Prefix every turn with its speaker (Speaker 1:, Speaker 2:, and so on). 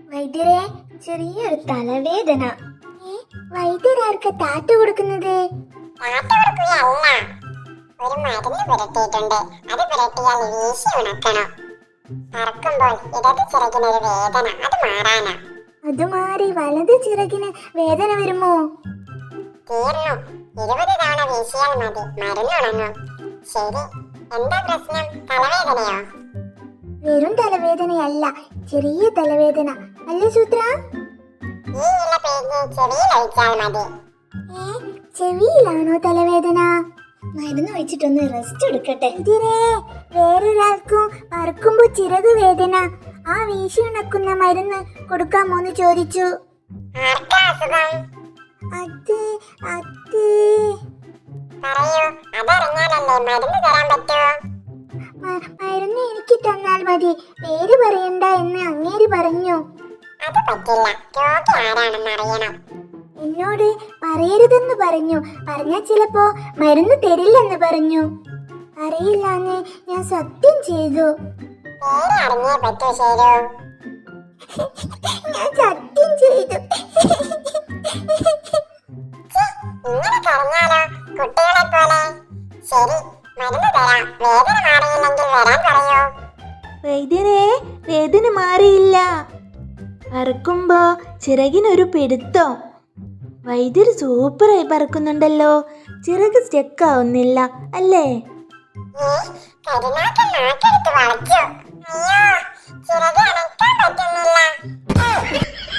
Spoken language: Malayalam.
Speaker 1: വൈദ്യരെ, ചെറിയൊരു തലവേദന. വൈദ്യരാർക്ക് താറ്റ് കൊടുക്കുന്നത്?
Speaker 2: താത്ത കൊടുക്കുകയല്ല, ഒരു മരുന്ന് പുരട്ടിയിട്ടുണ്ട്. അത് പുരട്ടിയാൽ വീശി ഉണക്കണം. പറക്കുമ്പോൾ ഇടത് ചിറകിനൊരു വേദന, അത് മാറാനാ.
Speaker 1: അത് മാറി വലത് ചിറകിന് വേദന വരുമോ?
Speaker 2: തീർന്നു. 20 തവണ വീശിയാൽ മതി, മരുന്ന് ഉണങ്ങും. ശരി, എന്താ പ്രശ്നം? തലവേദനയോ?
Speaker 1: വെറും തലവേദനയല്ല, ചെറിയ തലവേദന. അല്ലേ സൂത്ര?
Speaker 2: ഈ ഇല പിഴിഞ്ഞ് ചെവിയിൽ ഒഴിച്ചാൽ മതി.
Speaker 1: ചെവിയിലാണോ തലവേദന? മരുന്ന് വെച്ചിട്ടൊന്ന് റെസ്റ്റ് എടുക്കട്ടെ. ഇതിരെ വേറൊരാൾക്കും പറക്കുമ്പോ ചിറക് വേദന. ആ വീശി ഉണക്കുന്ന മരുന്ന് കൊടുക്കാമോന്ന് ചോദിച്ചു.
Speaker 2: ആർക്കാ അസുഖം?
Speaker 1: അത് അത്
Speaker 2: പറയൂ, അതറിഞ്ഞാലല്ലേ മരുന്ന് തരാൻ പറ്റൂ.
Speaker 1: മരുന്ന് എനിക്ക് തന്നാൽ മതി, പേര് പറയണ്ട എന്ന് അങ്ങേര് പറഞ്ഞു.
Speaker 2: അത് പറ്റില്ല, രോഗി ആരാണെന്ന് അറിയണം.
Speaker 1: എന്നോട് പറയരുതെന്ന് പറഞ്ഞു. പറഞ്ഞാൽ ചിലപ്പോ മരുന്ന് തരില്ലെന്ന് പറഞ്ഞു. അറിയില്ലാന്ന് ഞാൻ സത്യം ചെയ്തു.
Speaker 2: പേര് അറിഞ്ഞേ പറ്റൂ. ശരി,
Speaker 1: ഞാൻ സത്യം ചെയ്തു.
Speaker 2: ഇങ്ങനെ കരഞ്ഞാലോ, കുട്ടികളെ പോലെ. ശരി, മരുന്ന് തരാം. വേദന മാറിയില്ലെങ്കിൽ വരാൻ പറയൂ.
Speaker 3: വൈദ്യരെ, വേദന മാറിയില്ല. പറക്കുമ്പോ ചിറകിനൊരു പിടുത്തം. വൈദ്യര് സൂപ്പറായി പറക്കുന്നുണ്ടല്ലോ. ചിറക് സ്റ്റെക്കാവുന്നില്ല അല്ലേ?
Speaker 2: കരുനാക്കൻ നാക്കെടുത്ത് വളച്ചു. അയ്യോ, ചിറക് അനക്കാൻ പറ്റുന്നില്ല.